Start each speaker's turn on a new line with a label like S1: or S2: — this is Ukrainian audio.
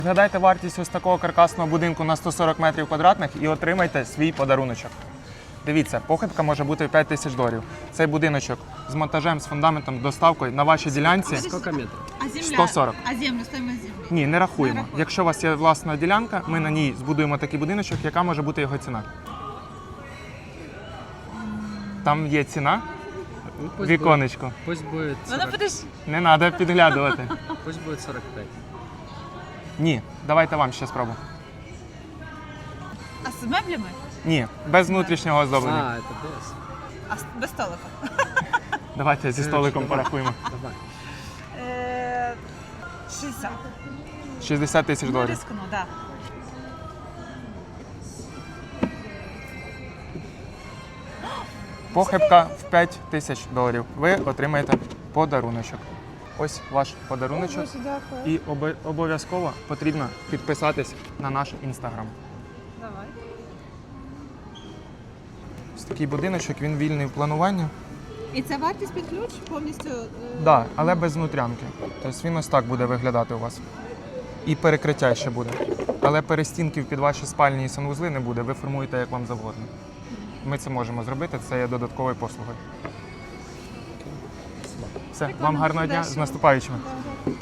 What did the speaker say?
S1: Згадайте вартість ось такого каркасного будинку на 140 метрів квадратних і отримайте свій подаруночок. Дивіться, похибка може бути 5 тисяч доларів. Цей будиночок з монтажем, з фундаментом, доставкою на вашій ділянці
S2: Сколько метров?
S3: А земля?
S1: 140.
S3: А землю, стоїмость землі?
S1: Ні, не рахуємо. Якщо у вас є власна ділянка, ми на ній збудуємо такий будиночок, яка може бути його ціна. Там є ціна,
S2: Ну, пусть
S1: віконечко.
S2: Будет, пусть будет
S3: Ну,
S2: 40,
S3: подожди.
S1: Не треба підглядувати.
S2: пусть будет 45.
S1: Ні, давайте вам ще спробу.
S3: А з меблями?
S1: Ні, без внутрішнього оздоблення.
S2: А, это без.
S3: А без столика?
S1: Давайте зі столиком
S2: Давай.
S1: порахуємо.
S2: Давай.
S3: 60.
S1: 60 тисяч
S3: Ну,
S1: доларів.
S3: рискну, да.
S1: Похибка в 5 тисяч доларів. Ви отримаєте подаруночок. Ось ваш подаруночок.
S3: Дякую.
S1: І обов'язково потрібно підписатись на наш інстаграм.
S3: Давай.
S1: Ось такий будиночок, він вільний в плануванні.
S3: І це вартість під ключ повністю?
S1: Так, да, але без внутрянки. Тобто він ось так буде виглядати у вас. І перекриття ще буде. Але перестінків під ваші спальні і санвузли не буде, ви формуєте як вам завгодно. Ми це можемо зробити, це є додатковою послугою. Все, вам гарного дня, з наступаючими.